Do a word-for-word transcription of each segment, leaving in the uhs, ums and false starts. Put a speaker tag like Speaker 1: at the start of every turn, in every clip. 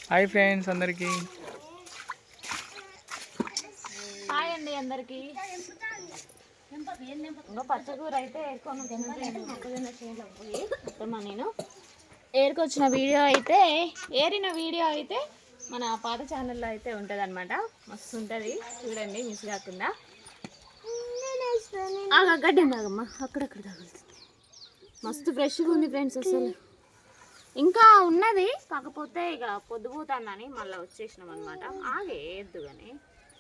Speaker 1: Hi friends అందరికి.
Speaker 2: Hi అండి అందరికి. పచ్చకూర అయితే మొక్కజొన్న చేనులో పోయి మొత్తమా నేను ఏరుకొచ్చిన వీడియో అయితే ఏరిన వీడియో అయితే మన పాత ఛానల్లో అయితే ఉంటుంది అనమాట. మస్తు ఉంటుంది చూడండి, మిస్ కాకుండా. గడ్డి ఉందాగమ్మా, అక్కడక్కడ తగులుతుంది. మస్తు ఫ్రెష్గా ఉంది ఫ్రెండ్స్. అసలు ఇంకా ఉన్నది, కాకపోతే ఇక పొద్దుపోతానని మళ్ళీ వచ్చేసినాం అనమాట. ఆగే ఎద్దు కానీ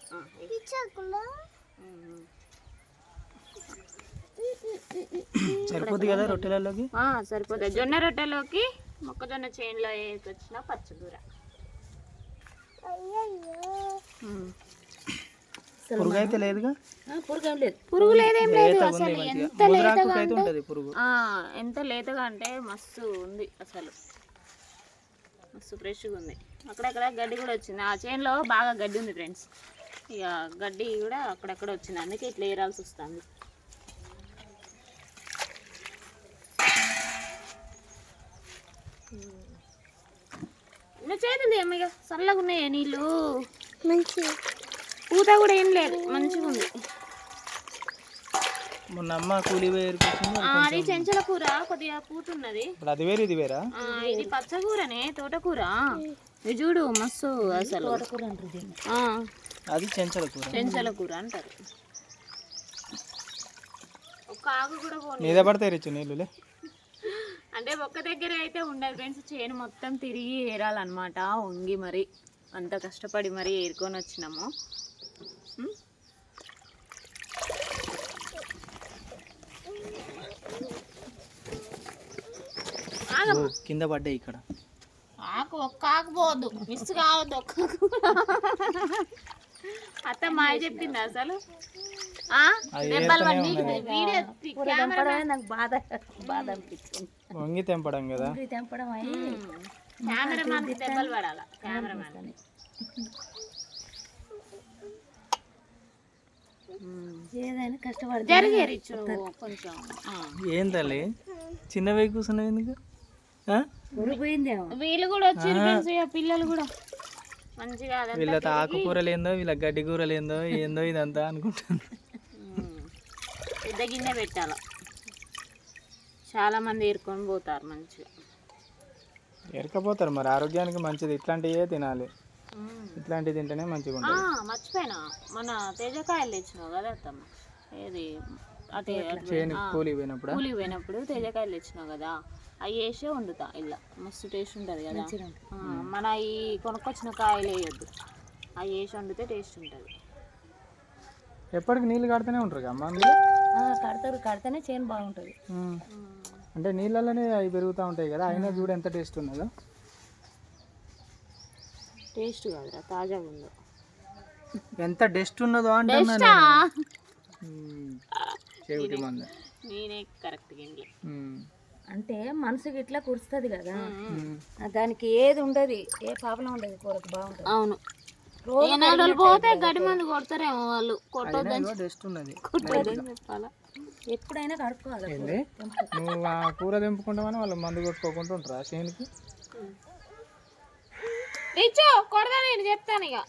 Speaker 1: సరిపోద్ది కదా రొట్టెలలోకి.
Speaker 2: సరిపోతుంది. జొన్న రొట్టెలోకి మొక్కజొన్న చేనులో వేసుకొచ్చిన పచ్చకూర.
Speaker 1: పురుగు అయితే లేదుగా.
Speaker 2: పురుగు లేదు, పురుగు లేదేం లేదు. అసలు ఎంత లేతగా అంటే ఎంత లేతగా అంటే మస్తు ఉంది. అసలు మస్తు ఫ్రెష్గా ఉంది. అక్కడక్కడ గడ్డి కూడా వచ్చింది. ఆ చేనులో బాగా గడ్డి ఉంది ఫ్రెండ్స్. ఇక గడ్డి కూడా అక్కడక్కడ వచ్చింది, అందుకే ఇట్లా ఏరాల్సి వస్తుంది. నువ్వు చేతుంది అమ్మ, ఇక చల్లగా ఉన్నాయి నీళ్ళు. మంచి పూత కూడా ఏం లేదు, మంచిగా ఉంది.
Speaker 1: మొన్న అమ్మ కూలి వేరు
Speaker 2: అది చెంచల కూర, కొద్దిగా పూత ఉన్నది.
Speaker 1: అది వేరు ఇది వేరా?
Speaker 2: ఇది పచ్చకూరనే, తోటకూర. ఇది చూడు మస్తు. అసలు
Speaker 1: అది చెంచల కూర,
Speaker 2: చెంచల కూర అంటారు. ఒక ఆకు కూడా
Speaker 1: మీద పడతాయి రిచ్చు నీళ్ళులే.
Speaker 2: అంటే ఒక్క దగ్గర అయితే ఉండదు ఫ్రెండ్స్. చేను మొత్తం తిరిగి ఏరాలన్నమాట. వంగి మరి అంత కష్టపడి మరి ఏరుకొని వచ్చినాము.
Speaker 1: కింద పడ్డాయి ఇక్కడ.
Speaker 2: ఆకు ఒక్క ఆకు పోవద్దు, మిస్ కావద్దు. ఒక్క అత్త మాయ చెప్పింది అసలు.
Speaker 1: వంగి తెంపడం కదా,
Speaker 2: కెమెరామ్యాన్ దెబ్బలు పడాల. కెమెరామ్యాన్ ఏదైనా కష్టపడి జరిగేరి కొంచెం.
Speaker 1: ఏం తల్లి చిన్నవి కూర్చున్నావు ఎందుకు?
Speaker 2: వీళ్ళు కూడా వచ్చి పిల్లలు కూడా మంచిగా
Speaker 1: వీళ్ళతో ఆకుకూరలు ఏందో, వీళ్ళ గడ్డి కూరలు ఏందో ఏందో ఇదంతా అనుకుంటాను.
Speaker 2: పెద్ద గిన్నె పెట్టాల, చాలా మంది ఏరుకొని పోతారు. మంచిగా
Speaker 1: ఏరకపోతారు మరి, ఆరోగ్యానికి మంచిది. ఇట్లాంటివే తినాలి, ఇట్లాంటివి తింటేనే మంచిగా ఉంటుంది.
Speaker 2: మర్చిపోయినా, మన తేజకాయలు తెచ్చినావు కదా అత్తమ్మ. ఏది అదే
Speaker 1: కూలి పోయినప్పుడు
Speaker 2: కూలి పోయినప్పుడు తేజకాయలు తెచ్చినావు కదా, అవి వేసే వండుతా. ఇలా మస్తు టేస్ట్ ఉంటుంది కదా. మన ఈ కొనుక్కొచ్చిన కాయలు వేయొద్దు, అవి వేసి వండితే టేస్ట్ ఉంటుంది.
Speaker 1: ఎప్పటికి నీళ్ళు కడుతూనే ఉంటారు అమ్మ?
Speaker 2: కడతారు, కడితేనే చేను బాగుంటుంది.
Speaker 1: అంటే నీళ్ళలోనే అవి పెరుగుతూ ఉంటాయి కదా, అయినా చూడు ఎంత టేస్ట్ ఉన్నదో.
Speaker 2: టేస్ట్ కాదురా, తాజాగా ఉందో.
Speaker 1: ఎంత డస్ట్ ఉన్నదో అంటే
Speaker 2: నేనే కరెక్ట్గా
Speaker 3: అంటే మనసుకి ఇట్లా కురుస్తుంది కదా, దానికి ఏది ఉండదు, ఏ ప్రాబ్లం ఉండదు. కూరకు బాగుంటుంది.
Speaker 2: అవును, రోజు పోతే గడ్డి మంది కొడతారేమో వాళ్ళు. కొట్టొద్దని
Speaker 1: డస్ట్ ఉన్నది
Speaker 2: చెప్పాలా.
Speaker 3: ఎప్పుడైనా కడుక్కోవాలి.
Speaker 1: నువ్వు ఆ కూర తెంపుకుంటామని వాళ్ళు మందు కొట్టుకోకుండా ఉంటారా చేనుకి?
Speaker 2: రిచో కొడదా, నేను చెప్తాను ఇక.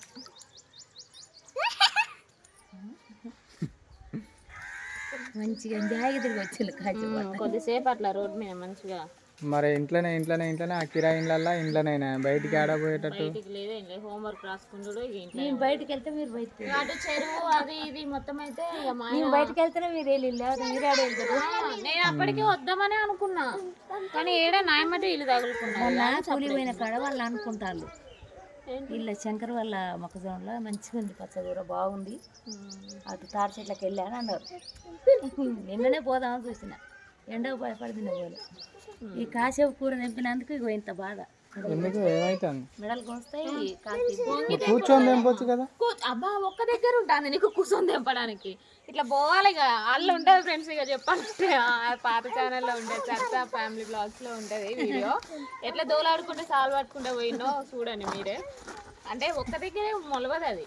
Speaker 3: మంచిగా జాగ్రత్తగా వచ్చి
Speaker 2: కొద్దిసేపు అట్లా రోడ్ మీద మంచిగా.
Speaker 1: మరి ఇంట్లోనే ఇంట్లోనే ఇంట్లోనే ఆ కిరా ఇండ్లల్లా ఇంట్లోనైనా బయటికి ఆడపోయేటట్టు
Speaker 2: లేదు. హోంవర్క్ రాసుకుంటాడు.
Speaker 3: నేను బయటకు వెళ్తే మీరు బయట,
Speaker 2: అటు చెరువు అది ఇది మొత్తం అయితే
Speaker 3: నేను బయటకు వెళ్తేనే మీరు వెళ్ళి మీరు ఆడ వెళ్తారు.
Speaker 2: నేను అప్పటికే వద్దామని అనుకున్నా, కానీ ఏడా నాయమటే ఇల్లు తగులుకున్నా.
Speaker 3: కూలిపోయిన కాడ వాళ్ళు అనుకుంటారు వీళ్ళ శంకర్ వాళ్ళ మొక్కజొన్నలో మంచిగా ఉంది, పచ్చదూర బాగుంది, అటు తాడి చెట్లకి వెళ్ళాను అన్నారు. నిన్ననే పోదామని చూసిన, ఎండకు భయపడింది పోలే. ఈ కాసేపు కూర తెంపినందుకు ఇగో ఇంత బాధ. మెడలు కోస్తాయి.
Speaker 1: కూర్చొని తెంపొచ్చు కదా.
Speaker 2: అబ్బా ఒక్క దగ్గర ఉంటుంది నీకు కూర్చొని తెంపడానికి. ఇట్లా పోవాలి ఇక. వాళ్ళు ఉంటుంది ఫ్రెండ్స్. ఇక చెప్పాలంటే పాత ఛానల్లో ఉంటుంది, చర్చా ఫ్యామిలీ బ్లాగ్స్లో ఉంటుంది వీడియో. ఎట్లా దోలాడుకుంటే సాల్వ్ పట్టుకుంటే పోయినో చూడండి మీరే. అంటే ఒక్క దగ్గరే మొలవదు అది,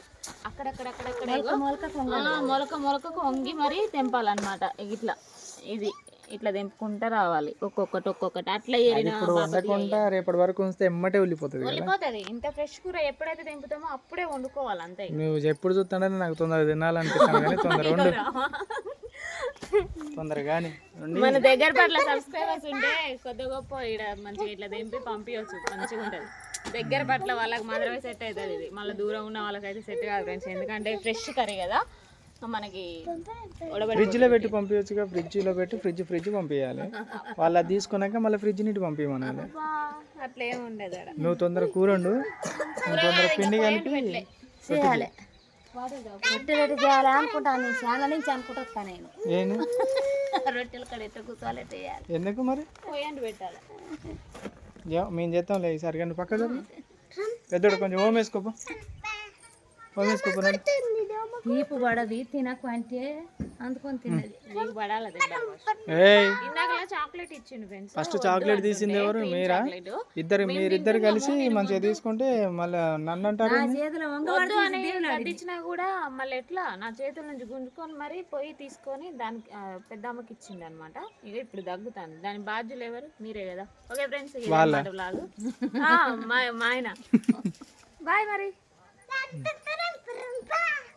Speaker 2: అక్కడక్కడక్కడక్కడ మొలక మొలక మొలకకు వంగి మరీ తెంపాలన్నమాట. ఇట్లా ఇది ఇట్లా తెంపుకుంటా రావాలి ఒక్కొక్కటి ఒక్కొక్కటి అట్లా
Speaker 1: అది
Speaker 2: ఏరిన
Speaker 1: ఇప్పుడు వండకుండా రేపటి వరకు ఉంచితే ఎమ్మటే వెళ్ళిపోతుంది కదా.
Speaker 2: వెళ్ళిపోతుంది. ఇంత ఫ్రెష్ కూర ఎప్పుడైతే తెంపుతామో అప్పుడే వండుకోవాలి అంతే.
Speaker 1: నువ్వు ఎప్పుడు చూస్తాడని నాకు తొందరగా తినాలనిపిస్తాను కానీ తొందర వండు తొందరగా కానీ
Speaker 2: మన దగ్గర పట్ల సబ్స్క్రైబర్స్ ఉంటే కొద్ది గొప్ప ఇక్కడ మంచిగా ఇట్లా తెంపి పంపించవచ్చు, మంచిగా ఉంటుంది. దగ్గర పట్ల వాళ్ళకి మాత్రమే సెట్ అవుతుంది ఇది, మళ్ళీ దూరం ఉన్న వాళ్ళకైతే సెట్ కాదు ఫ్రెండ్స్. ఎందుకంటే ఫ్రెష్ కర్రీ కదా మనకి.
Speaker 1: ఫ్రిడ్జ్ లో పెట్టి పంపించచ్చుగా, ఫ్రిడ్జ్ లో పెట్టి ఫ్రిడ్జ్ ఫ్రిడ్జ్ పంపించాలి. వాళ్ళు అది తీసుకున్నాక మళ్ళీ ఫ్రిడ్జ్ నీటి పంపించమనాలి.
Speaker 2: అట్లా ఏమి ఉండదు ఆడ.
Speaker 1: నువ్వు తొందర కూర వండు, నువ్వు తొందర పిండి కలిపి
Speaker 3: చేయాలి. రొట్టెలు చేయాలి అనుకుంటాను, చాలా నుంచి అనుకుంటా నేను.
Speaker 1: ఏంది
Speaker 3: రొట్టెలు కడ ఎట్లా కూర్చోవాలి చేయాలి.
Speaker 1: ఎందుకు మరి
Speaker 2: పోయండి పెట్టాలి.
Speaker 1: ఏ- మేము చేస్తాం లేదు ఈసారి కానీ పక్క పెద్దోడు కొంచెం ఓం వేసుకోపో, ఓం వేసుకోపో.
Speaker 3: తీపు పడది తినకు అంటే అందుకొని తిన్నది.
Speaker 2: నీకు పడాలి దెబ్బ.
Speaker 1: ఏయ్
Speaker 2: ఇందాక చాక్లెట్ ఇచ్చిండు ఫ్రెండ్స్.
Speaker 1: ఫస్ట్ చాక్లెట్ తీసింది ఎవరు? మీరా? ఇద్దరు మీరిద్దరు కలిసి మంచిగా తీసుకుంటే మళ్ళీ నన్ను అంటారు.
Speaker 3: చేతిలో
Speaker 2: వద్దు అని కట్టించినా కూడా మళ్ళీ ఎట్లా నా చేతుల నుంచి గుంజుకొని మరి పోయి తీసుకొని దానికి ఆ, పెద్దమ్మకి ఇచ్చిండు అనమాట. ఇక ఇప్పుడు దగ్గుతాను, దాని బాధ్యులు ఎవరు? మీరే కదా. ఓకే ఫ్రెండ్స్, లాగు మా మా ఆయన బాయ్ మరి.